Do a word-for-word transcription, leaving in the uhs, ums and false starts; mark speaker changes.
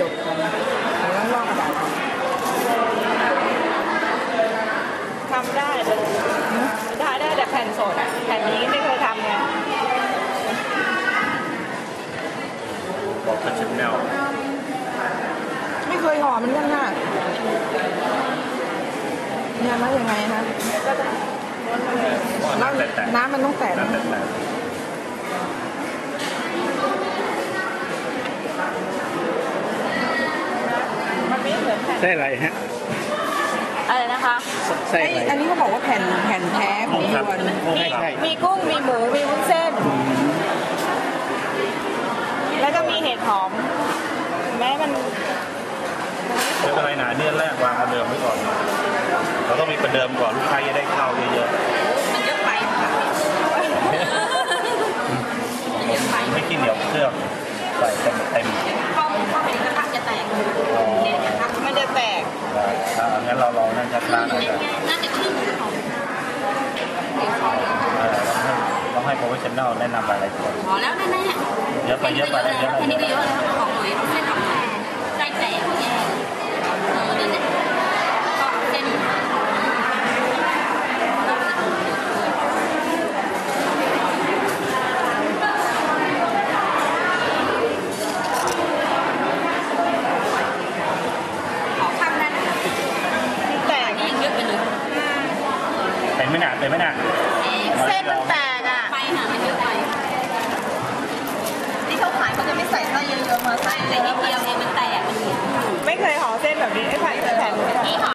Speaker 1: จบกันแล้วลอกกระดาษ
Speaker 2: ทำได้แต่ได้ได้แต่แผ่นสดอ่ะแผ่นนี้ไม่เคยทำไง
Speaker 3: บอกเป็นชิ้นแนว
Speaker 1: ไม่เคยห่อมันกันค่ะเนี่ยมันยังไงคะน้ำน้ำมันต้องแตก
Speaker 2: มันไม่เหมือนแผ่น
Speaker 3: ใช่อะไรฮะ
Speaker 2: อะไรนะคะ
Speaker 1: ใช่อันนี้เขาบอกว่าแผ่นแผ่นแท้ของยวน
Speaker 2: มีกุ้งมีหมูมีวุ้นเส้นแล้วก็มีเห็ดหอมแม้มัน
Speaker 3: ไม่เป็นไรนะเดือนแรกวางประเดิมไว้ก่อนเราต้องมีประเดิมก่อนลูกค้าจะได้เข้าเยอะ
Speaker 2: ๆมันเยอะไปค่ะ
Speaker 3: ไม่กินเหนียวเครื่องใส่เต็มเต็ม
Speaker 2: ข้าวข้าวเห็นกระทะจะแตกมันจะแตก
Speaker 3: อ่างั้นเราลองนั่งช้าๆหน่อย
Speaker 2: น่าจะครึ่งของ
Speaker 3: ต้องให้โปรเฟชชั่นแนลแนะนำอะไรก่อน
Speaker 2: อ๋อแล้วแน่
Speaker 3: ๆเยอะไปเยอะไปเยอะไป
Speaker 2: เยอะแล้วของหน่อยเส้นทำแทนใจแตกแย่เออนั่นแหละก็เส้น
Speaker 3: เป็นไม่หนักเป็นไม่หนัก
Speaker 2: เส้นมันแตกอ่ะไปหนามันเยอะไปที่เขาขายเขาจะไม่ใส่ไส้เยอะๆมาใส่แต่นิดเดียวเองมันแตกมันไม่เคยห่อเส้นแบบนี้ไอ้แผ่นแผ่น